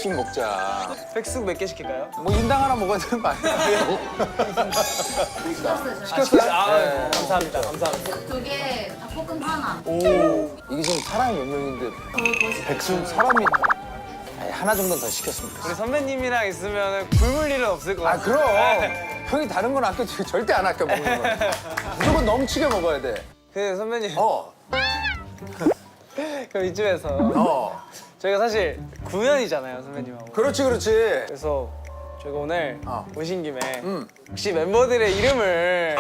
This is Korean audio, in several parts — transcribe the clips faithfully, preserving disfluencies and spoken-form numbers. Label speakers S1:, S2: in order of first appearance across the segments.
S1: 개씩 먹자.
S2: 백숙 몇 개 시킬까요?
S1: 뭐 인당 하나 먹어야 되는 거 아니야?
S2: 시켰어요? 아, 네. 감사합니다. 감사합니다.
S3: 두 개, 닭볶음 하나.
S1: 이게 지금 사람이 몇 명인데
S3: 더
S1: 백수 사람이 아니, 하나 정도는 더 시켰습니다.
S2: 우리 선배님이랑 있으면 굶을 일은 없을 것
S1: 아
S2: 같아요.
S1: 그럼 형이 다른 건 아껴 절대 안 아껴 먹는 거. 무조건 넘치게 먹어야 돼.
S2: 그 선배님,
S1: 어,
S2: 그럼 이쯤에서
S1: 어.
S2: 저희가 사실 구면이잖아요, 선배님하고.
S1: 그렇지 그렇지.
S2: 그래서 저희가 오늘
S1: 어.
S2: 오신 김에
S1: 음.
S2: 혹시 멤버들의 이름을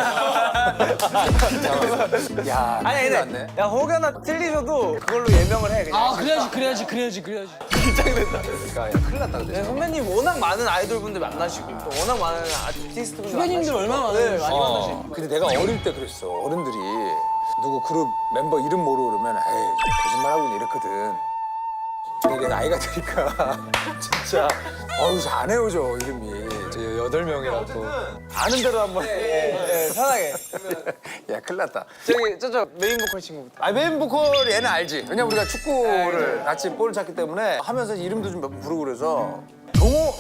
S1: 야,
S2: 아니
S1: 큰일
S2: 근데
S1: 났네.
S2: 야 혹여나 틀리셔도 그걸로 예명을 해 그냥.
S4: 아 그래야지 그래야지 그래야지 그래야지.
S1: 그러니까 야, 큰일 났다 근데.
S2: 네, 선배님 워낙 많은 아이돌 분들 만나시고 또 워낙 많은 아티스트 분들
S4: 선배님들
S2: 만나시고.
S4: 얼마나
S2: 네,
S4: 많으시죠?
S2: 많이 만나시고.
S1: 어, 근데 내가 어릴 때 그랬어. 어른들이 누구 그룹 멤버 이름 모르고 그러면 에이 거짓말하고 있네 이랬거든. 근데 나이가 드니까 진짜 어우 안 헤어져 이름이. 저 여덟 명이라고. 아는 대로 한번.
S2: 네, 편하게.
S1: 야 큰일 났다.
S2: 저기 저쪽 메인 보컬 친구부터.
S1: 아 메인 보컬 얘는 알지. 왜냐면 우리가 축구를 같이 볼을 찼기 때문에 하면서 이름도 좀 몇 번 부르고 그래서 동호.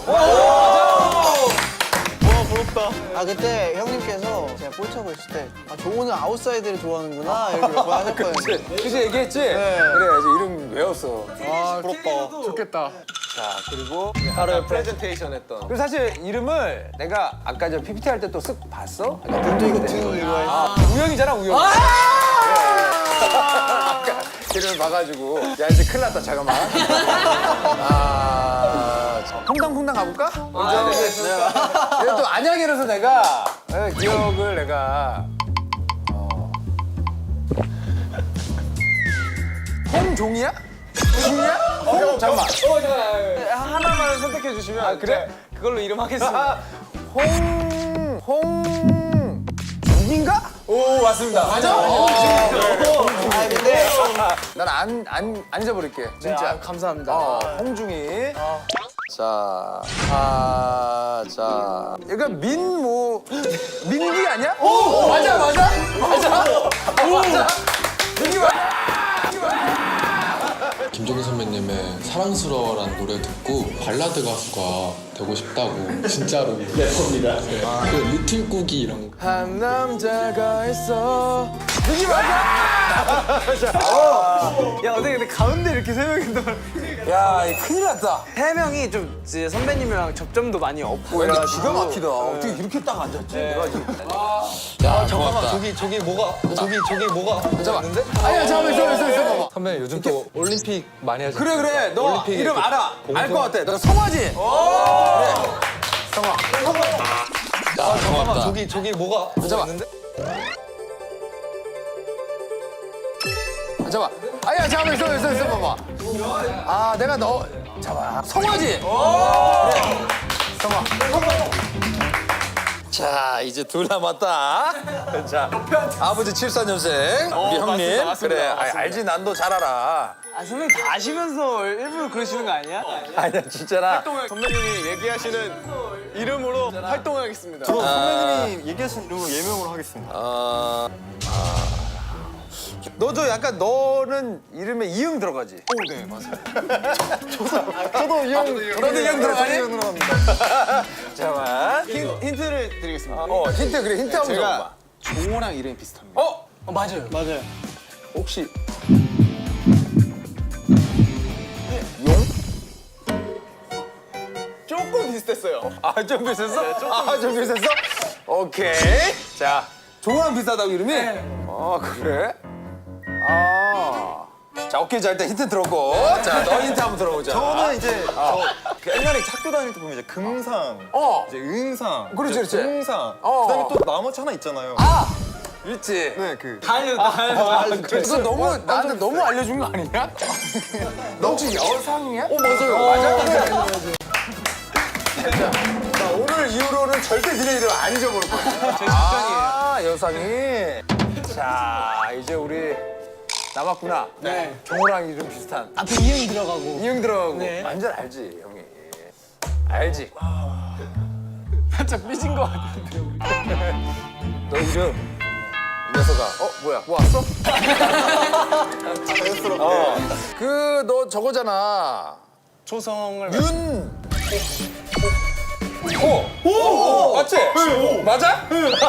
S4: 아 그때 형님께서 제가 볼 차고 있을 때 아, 종호는 아웃사이드를 좋아하는구나 이렇게 몇 번 하셨거든요.
S1: 그치, 그치 얘기했지? 그래 이제 이름 외웠어.
S4: 아 부럽다.
S1: 좋겠다. 자 그리고
S2: 바로 프레젠테이션 했던.
S1: 그리고 사실 이름을 내가 아까 저 피피티 할 때 또 쓱 봤어?
S4: 또 이거 등 이거
S1: 아, 우영이잖아 우영. 아까 이름을 봐가지고 야 이제 큰일 났다 잠깐만. 아 퐁당퐁당 가볼까?
S2: 아, 네.
S1: 내가 또 안양이라서 내가 네, 기억을 내가 어. 홍종이야? 종이야? 홍 잠깐만.
S2: 어, 잠깐 하나만 선택해 주시면.
S1: 아, 그래?
S2: 제가 그걸로 이름 하겠습니다.
S1: 아, 홍, 홍, 죽인가? 오, 맞습니다. 맞아?
S4: 아 근데
S1: 난 안, 안, 안 잊어버릴게. 진짜.
S2: 네, 아, 감사합니다.
S1: 어, 홍중이. 자, 아, 자. 얘가 민, 뭐, 민기 아니야? 오, 맞아, 맞아? 맞아? 맞아? 민기 맞아?
S5: 김종인 선배님의 사랑스러워라는 노래 듣고 발라드 가수가 되고 싶다고 진짜로 래퍼입니다. 네. 그 리틀 꾸기 이런 거.
S1: 한 남자가 있어. 민기 맞아?
S2: 야 어떻게 근데 가운데 이렇게 세 명이 또.
S1: 야, 이거 큰일 났다.
S2: 세 명이 좀 이제 선배님이랑 접점도 많이 없고
S1: 야, 근데
S2: 이래가지고.
S1: 기가 막히다. 어떻게 이렇게 딱 앉았지? 내가 지금.
S5: 야, 잠깐만
S6: 저기 저기 뭐가 저기 저기 뭐가
S1: 잠깐만. 아니야, 잠깐만, 있어, 있어, 있어, 봐봐.
S6: 선배님 요즘 또 올림픽 많이 하죠.
S1: 그래, 그래. 너
S6: 올림픽
S1: 이름
S6: 그
S1: 알아. 알
S6: 공통-
S1: 것 같아. 너 성화지? 그래. 성화.
S6: 아, 잠깐만 저기 저기 뭐가
S1: 잠깐만. 잠깐만. 아니야, 잠깐만, 있어, 있어, 있어, 봐봐. 아, 내가 너. 잠깐만. 성화지? 그래. 성화. 자, 이제 둘 남았다. 자, 아버지 칠십사 년생 우리 형님.
S2: 맞습니다, 맞습니다,
S1: 그래,
S2: 맞습니다.
S1: 아, 알지, 난 너 잘 알아.
S2: 아 선배님 다 아시면서 일부러 그러시는 거 아니야?
S1: 아니야, 진짜나.
S2: 선배님이 얘기하시는 이름으로 활동하겠습니다.
S6: 선배님이 얘기하신 이름으로 예명으로 하겠습니다.
S1: 어, 아, 너도 약간 너는 이름에 이응 들어가지?
S6: 오, 네 맞아요. 저도 이 형,
S1: 너도 이응 들어가니?
S6: 이형 들어갑니다.
S1: 잠깐만.
S2: 힌, 힌트를 드리겠습니다.
S1: 어, 힌트 그래, 힌트 한번
S2: 제가
S1: 줘봐.
S2: 종호랑 이름이 비슷합니다.
S1: 어?
S4: 어, 맞아요.
S2: 맞아요.
S1: 혹시 용?
S2: 조금 비슷했어요.
S1: 아, 좀 비슷했어? 아, 좀 비슷했어? 오케이. 자, 종호랑 비슷하다고 이름이? 아, 그래? 아. 자, 오케이. 자, 일단 힌트 들었고. 자, 너 힌트 한번 들어보자.
S6: 저는 이제 저그 옛날에 학교 다닐 때 보면 이제 금상,
S1: 어.
S6: 이제 은상,
S1: 그렇지,
S6: 이제
S1: 그렇지.
S6: 동상,
S1: 어.
S6: 그다음에 또 나머지 하나 있잖아요.
S1: 아! 있지?
S6: 네, 그
S2: 다 알려줘, 다 알려줘.
S1: 너 너무 나한테 너무 알려준 거 아니냐? 너 혹시 여상이야? 어 맞아요. 맞아. 자, 자, 오늘 이후로는 절대 니네 이름 안 잊어버릴 거야. 제 직전이에요. 아 여상이. 자 이제 우리 남았구나.
S2: 네.
S1: 종호랑 이름 비슷한.
S4: 앞에 이응 들어가고.
S1: 이응 들어가고.
S2: 네.
S1: 완전 알지 형이. 알지.
S2: 살짝 삐진 거 같은데.
S1: 너 이름. 이 녀석아. 어 뭐야? 뭐 왔어? 어. 그 너 저거잖아.
S2: 초성을
S1: 윤. 호. 오. 맞지? 맞아?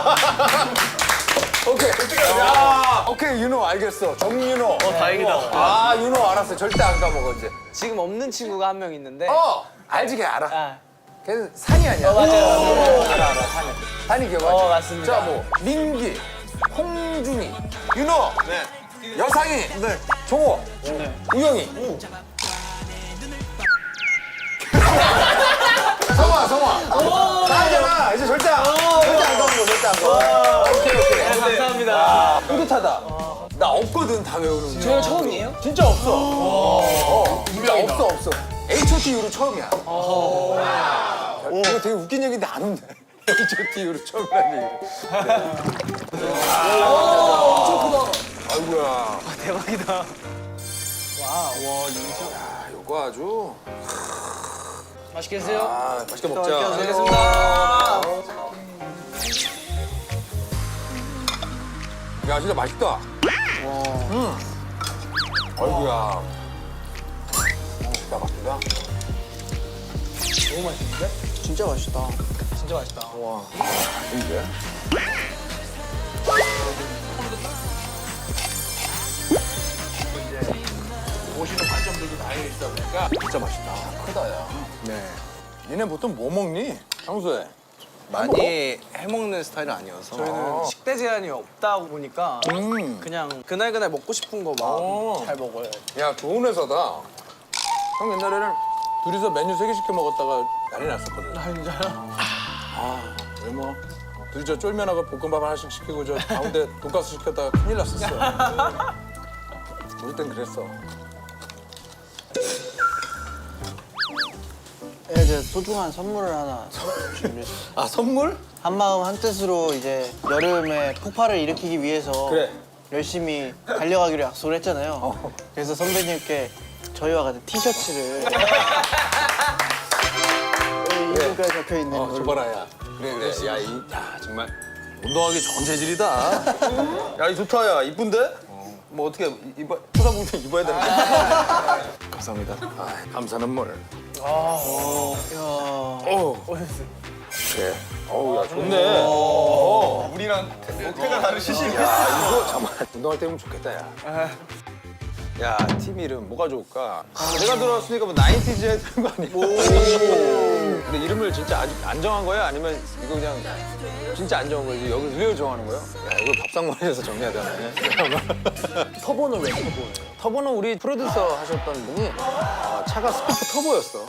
S1: 오케이. 야. 오케이 윤호 알겠어. 정윤호.
S2: 어, 다행이다.
S1: 아 윤호 알았어. 절대 안 까먹어 이제.
S2: 지금 없는 친구가 한 명 있는데
S1: 어 알지 걔 알아.
S2: 아,
S1: 걔는 산이 아니야.
S2: 맞아요.
S1: 알아 알아 산이. 산이 기억하지?
S2: 어, 맞습니다.
S1: 자 뭐 민기, 홍준이, 윤호, 네. 여상이, 네. 종호, 네. 우영이. 성화 성화. 나잖아. 이제 절대 안 절대 안 까먹어 절대 안 까먹어. 오케이 오케이.
S2: 네, 감사합니다.
S1: 뿌듯하다. 나 없거든 다 외우는 거.
S2: 저 처음이에요?
S1: 진짜 없어. 어, 진짜 없어 없어. 에이치 오 티 이후로 처음이야. 이거 되게 웃긴 얘기인데 안 웃네. 에이치 오 티 이후로 처음이라는 얘기. 엄청 크다. 아이고야.
S2: 대박이다.
S1: 야, 이거 아주.
S2: 맛있게 드세요.
S1: 아, 맛있게 먹자.
S2: 알겠습니다.
S1: 야, 진짜 맛있다. 음. 아이고야. 진짜 맛있다.
S4: 너무 맛있는데? 진짜 맛있다.
S2: 진짜 맛있다.
S1: 와. 이게? 보시는 관점들도 다양히 있다 보니까 진짜 맛있다. 크다, 야. 네. 니네 보통 뭐 먹니? 평소에?
S4: 많이 해먹는 스타일은 아니어서.
S2: 저희는 식대 제한이 없다 보니까
S1: 음.
S2: 그냥 그날그날 먹고 싶은 거
S1: 오.
S2: 막 잘 먹어요.
S1: 야, 좋은 회사다. 형 옛날에는 둘이서 메뉴 세 개 시켜 먹었다가 난리 났었거든.
S2: 아, 진짜요?
S1: 아, 왜 뭐. 둘이 저 쫄면하고 볶음밥 하나씩 시키고 저 가운데 돈가스 시켰다가 큰일 났었어. 우리 땐 그랬어.
S4: 네, 이제 소중한 선물을 하나 준비했어요.
S1: 아, 선물?
S4: 한 마음 한 뜻으로 이제 여름에 폭발을 일으키기 위해서
S1: 그래.
S4: 열심히 달려가기로 약속을 했잖아요. 그래서 선배님께 저희와 같은 티셔츠를 이름까지 적혀 있는
S1: 어,
S4: 걸로.
S1: 줘봐라, 야. 그래, 그래. 야, 이, 야, 정말 운동하기 좋은 재질이다.
S6: 야, 이 좋다, 야. 이쁜데? 뭐 어떻게 입어, 쳐다보면 입어야 되는 거야?
S1: 감사합니다. 아, 감사는 뭘.
S4: 이야.
S1: 어. 그래. 어우, 야, 좋네.
S6: 어, 우리랑 어깨가 다르시지?
S1: 야, 이거 정말 운동할 때 하면 좋겠다, 야.
S6: 야, 팀 이름 뭐가 좋을까? 아, 내가 들어왔으니까 뭐 나인티즈 해야 되는 거 아니야? 근데 이름을 진짜 아직 안 정한 거야? 아니면 이거 그냥 진짜 안 정한 거지? 여기 왜 정하는 거야?
S1: 야, 이거 밥상머리에서 정해야 되네.
S2: 터보는 왜 터보예요?
S1: 터보는 우리 프로듀서 하셨던 분이 아, 차가 스쿠프 터보였어.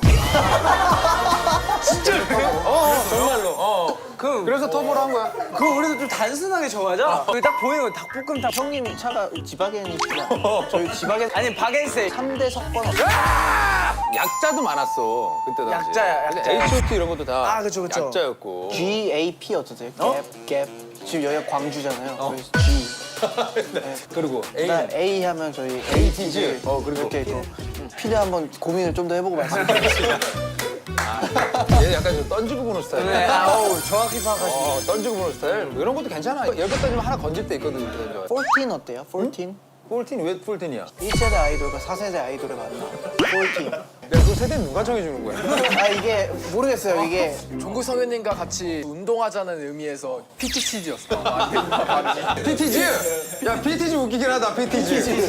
S2: 진짜 그래요?
S1: 어, 정말로. 어.
S2: 그,
S1: 그래서 터보로 한 거야.
S2: 그거 우리도 좀 단순하게 정하자. 여기 딱 보이는 거 닭볶음탕.
S4: 형님 차가 지바겐이시잖아. 저희 지바겐
S2: 아니 바겐세.
S4: 삼 대 석번 없어요.
S1: 약자도 많았어. 그때 당시.
S2: 약자야, 약자.
S1: 에이치 오 티 이런 것도 다
S2: 아, 그쵸, 그쵸.
S1: 약자였고.
S4: 지 에이 피 어떠세요?
S1: 어?
S4: 갭, 갭. 지금 여기가 광주잖아요. 저희 G.
S1: 그리고 A.
S4: 그다음 A 하면 저희 에이티즈.
S1: 어, 그리고.
S4: 이렇게 있고. 필요 한번 고민을 좀 더 해보고 말씀드리겠습니다.
S1: 얘 약간 좀 던지고 보는 스타일.
S2: 네, 아우 정확히 파악하시네.
S1: 어, 던지고 보는 스타일. 뭐 이런 것도 괜찮아. 여기다 좀 하나 건질 때 있거든. 그래서.
S4: 포르틴 어때요? 포르틴?
S1: 폴틴 왜 폴틴이야?
S4: 일 세대 아이돌과 사 세대 아이돌의 만남. 포르틴.
S1: 야, 그 세대는 누가 정해주는 거야?
S4: 아 이게 모르겠어요. 이게
S7: 종국 성현님과 같이 운동하자는 의미에서 피티치즈였어.
S1: 피티즈! 야, 피티즈 웃기긴 하다, 피티즈.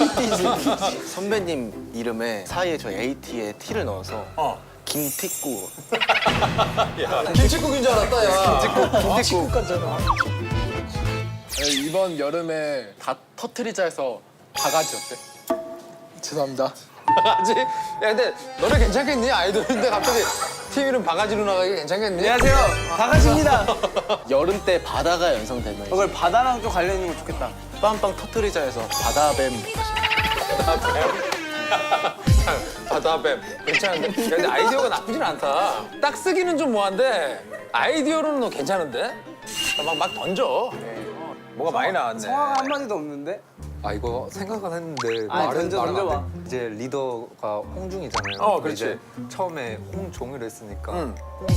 S8: 선배님 이름에 사이에 저 에이티에 T를 넣어서
S1: 어.
S8: 김티꾸.
S1: 김치국인 줄 알았다, 야.
S4: 김치국 같잖아.
S7: 이번 여름에 다 터트리자 해서 바가지 어때? 죄송합니다.
S1: 바가지? 야, 근데 너네 괜찮겠니? 아이돌인데 갑자기 팀 이름 바가지로 나가기 괜찮겠니?
S2: 안녕하세요. 바가지입니다.
S8: 여름 때 바다가 연상되면 이제
S2: 그걸 바다랑 좀 관련 있는 거 좋겠다.
S8: 빵빵 터트리자 해서 바다뱀.
S1: 바다뱀. 괜찮은데? 야, 근데 아이디어가 나쁘진 않다. 딱 쓰기는 좀 뭐한데 아이디어로는 너 괜찮은데? 막, 막 던져. 뭐가 많이 나왔네.
S2: 성화가 한마디도 없는데?
S6: 아, 이거 생각은 했는데
S2: 아니,
S6: 말은-
S2: 던져,
S6: 말은 안
S2: 던져봐.
S6: 돼. 이제 리더가 홍중이잖아요.
S1: 어,
S6: 근데
S1: 그렇지.
S6: 이제 처음에 홍종이를 했으니까
S1: 응.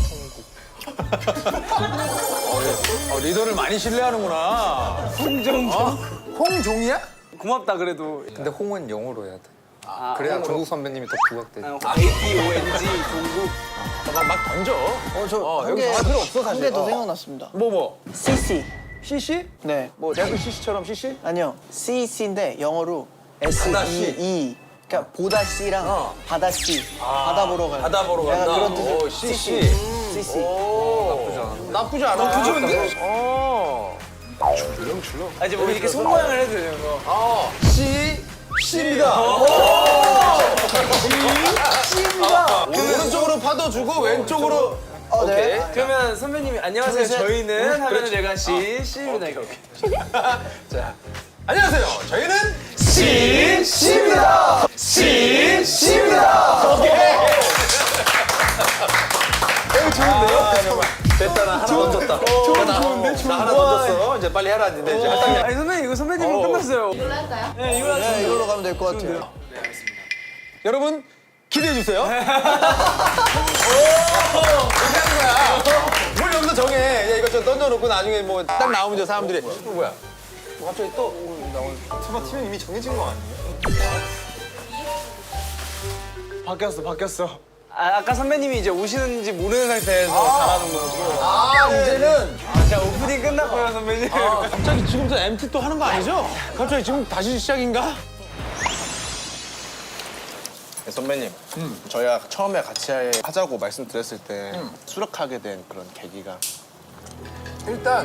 S1: 어, 리더를 많이 신뢰하는구나.
S2: 홍정.
S1: 어? 홍종이야?
S2: 고맙다 그래도.
S6: 근데 홍은 영어로 해야 돼. 그래야 종국 선배님이 더 부각되지.
S2: 에이티오엔지 종국.
S6: 막, 막 던져.
S4: 어, 저
S6: 어,
S4: 한
S6: 여기
S4: 개,
S6: 전화 필요 없어, 사실.
S4: 한 개 더
S6: 어.
S4: 생각났습니다.
S6: 뭐 뭐?
S4: 씨씨.
S6: 씨씨?
S4: 네.
S6: 뭐 대학교 씨씨처럼 씨씨?
S4: 아니요. 씨씨인데 영어로 에스
S6: 바다
S4: 이
S6: 씨.
S4: 이. 그러니까 보다 씨랑
S6: 어.
S4: 바다 씨. 바다 보러 가요.
S6: 바다 보러
S4: 약간
S6: 간다.
S4: 그런 뜻의
S6: 오, 씨씨.
S4: 씨씨.
S6: 나쁘지 않아. 나쁘지 않아. 나쁘지 않은데? 어. 줄렁줄렁.
S2: 아, 이제 뭐 이렇게 손 모양을 해도 되는 거.
S6: 어. 씨. 씨입니다. 씨입니다. 오른쪽으로 파도 주고 왼쪽으로.
S4: 어, 네.
S6: 오케이.
S2: 그러면 선배님이 안녕하세요.
S4: 둘, 셋.
S2: 저희는 하면은 내가 씨, 씨입니다. 이거.
S6: 자, 안녕하세요. 저희는 씨 씨입니다. 씨 씨입니다. 오케이. 어, 좋은데요? 됐다, 나 하나 던졌다. 좋은, 좋은데? 좋은데? 나 하나 던졌어. 이제 빨리 해라. 근데 이제 할당량.
S2: 아니 선배님 이거 선배님은
S6: 어.
S2: 끝났어요.
S3: 이걸로 할까요?
S2: 네, 이거 하세요.
S4: 네, 이걸로 가면 될 것 같아요.
S6: 여러분, 기대해 주세요. 이렇게 하는 거야. 뭘 여기서 정해. 야, 이거 좀 던져놓고 나중에 뭐 딱 나오면 저 사람들이 어, 뭐야? 뭐 갑자기 또 나오는. 설마 팀은 이미 정해진 거 아니에요?
S2: 바뀌었어, 바뀌었어. 아, 아까 선배님이 이제 오시는지 모르는 상태에서 잘하는 거고.
S6: 아, 이제는
S2: 자, 오프닝 끝났고요, 선배님.
S6: 아, 갑자기 지금부터 엠티 또 하는 거 아니죠? 갑자기 지금 다시 시작인가?
S8: 선배님, 저희가 처음에 같이 하자고 말씀드렸을 때 수락하게 된 그런 계기가
S1: 일단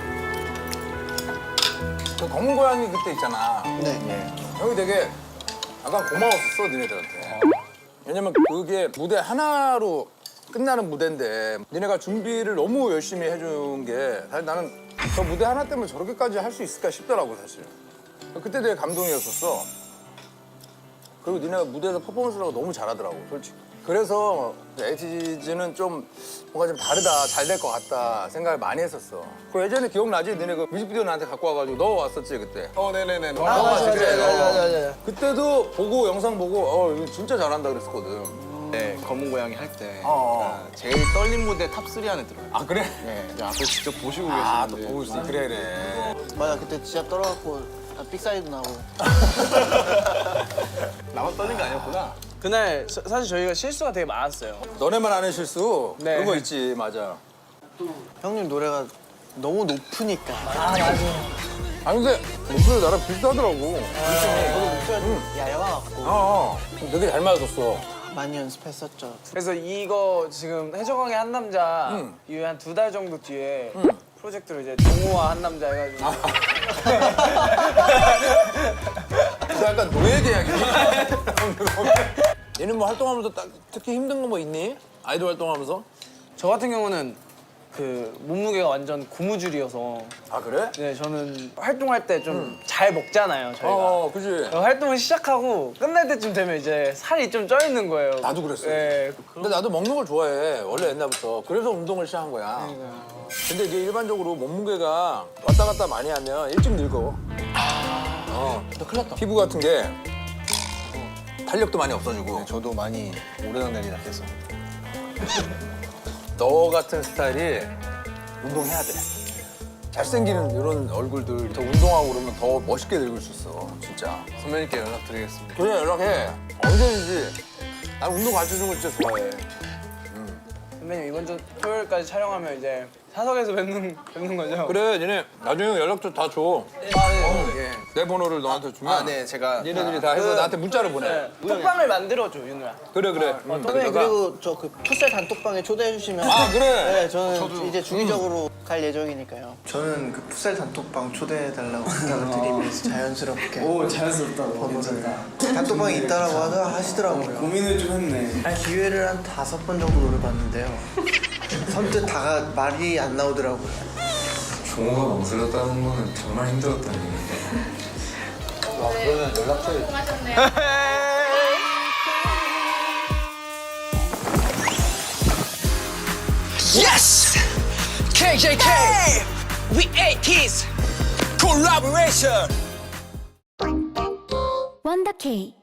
S1: 그 검은 고양이 그때 있잖아.
S4: 네.
S1: 형이 되게 약간 고마웠었어 니네들한테. 왜냐면 그게 무대 하나로 끝나는 무대인데 니네가 준비를 너무 열심히 해준 게 사실 나는 저 무대 하나 때문에 저렇게까지 할 수 있을까 싶더라고 사실. 그때 되게 감동이었었어. 그리고 니네가 무대에서 퍼포먼스를 하고 너무 잘하더라고 솔직히. 그래서 에이티즈는 좀 뭔가 좀 다르다, 잘 될 것 같다 생각을 많이 했었어. 그 예전에 기억나지? 니네 그 뮤직비디오 나한테 갖고 와가지고 너 왔었지 그때?
S6: 어, 네네네.
S1: 아, 맞아, 그래.
S4: 맞아, 맞아, 맞아.
S1: 그때도 보고 영상 보고 어 이거 진짜 잘한다 그랬었거든.
S8: 네, 검은 고양이 할 때
S1: 어.
S8: 제일 떨린 무대 탑쓰리 안에 들어요.
S1: 아 그래?
S8: 네, 이제 앞에 직접 보시고
S1: 아 또
S8: 계시는데
S1: 보고 있어. 그래 그래.
S4: 맞아, 그때 진짜 떨어갖고 아, 빅사이드 나고.
S8: 나만 떨린 거 아니었구나.
S2: 그날 서- 사실 저희가 실수가 되게 많았어요.
S1: 너네만 아는 실수
S2: 네.
S1: 그런 거 있지 맞아.
S4: 형님 노래가 너무 높으니까.
S1: 아니 근데 목소리 나랑 비슷하더라고.
S4: 얇아갖고
S1: 어, 어. 되게 잘 맞았어.
S4: 많이 연습했었죠.
S2: 그래서 이거 지금 해적왕의 한 남자
S1: 응.
S2: 이후 한 두 달 정도 뒤에 프로젝트로 이제 동호와 한 남자 해가지고
S1: 그 약간 노예 계약이야. 얘는 뭐 활동하면서 딱 특히 힘든 거 뭐 있니? 아이돌 활동하면서?
S2: 저 같은 경우는 그 몸무게가 완전 고무줄이어서
S1: 아 그래?
S2: 네 저는 활동할 때 좀 잘 먹잖아요 저희가.
S1: 어, 그지.
S2: 어, 활동을 시작하고 끝날 때쯤 되면 이제 살이 좀 쪄 있는 거예요.
S1: 나도 그랬어.
S2: 네.
S1: 근데 나도 먹는 걸 좋아해. 원래 옛날부터. 그래서 운동을 시작한 거야. 근데 이게 일반적으로 몸무게가 왔다 갔다 많이 하면 일찍 늙어. 어.
S4: 너 큰일 났다.
S1: 피부 같은 게 탄력도 많이 없어지고.
S8: 저도 많이 오르락내리락 해서
S1: 너 같은 스타일이 운동해야 돼. 잘생기는 이런 얼굴들 더 운동하고 그러면 더 멋있게 늙을 수 있어. 진짜.
S8: 선배님께 연락드리겠습니다.
S1: 그래 연락해. 언제든지. 난 운동 가르쳐주는 거 진짜 좋아해.
S2: 선배님 이번 주 토요일까지 촬영하면 이제 사석에서 뵙는 뵙는 거죠?
S1: 그래 니네 나중에 연락처 다 줘. 어, 내 번호를 너한테 주면
S8: 아, 네, 제가
S1: 니네들이 다 해서 나한테 문자를 보내.
S2: 네. 톡방을 만들어줘 윤우야.
S1: 그래 그래. 응.
S4: 선배님 그리고 저 그 풋살 단톡방에 초대해 주시면
S1: 아 그래.
S4: 네, 저는 이제 주기적으로 갈 예정이니까요. 저는 그 풋살 단톡방 초대해 달라고 부탁을 드리면서 자연스럽게. 오 자연스럽다고. 번호를 단톡방에 있다라고 하더 하시더라고요. 고민을 좀 했네. 아, 기회를 한 다섯 번 정도 노려봤는데요. 선뜻 다가 말이 안 나오더라고요.
S5: 종호가 멍들었다는 거는 정말 힘들었다는 얘기인데.
S1: 와 그러면 연락처.
S3: 수고하셨네요.
S2: Yes! 케이제이케이! We eighties! Collaboration!
S9: 원더케이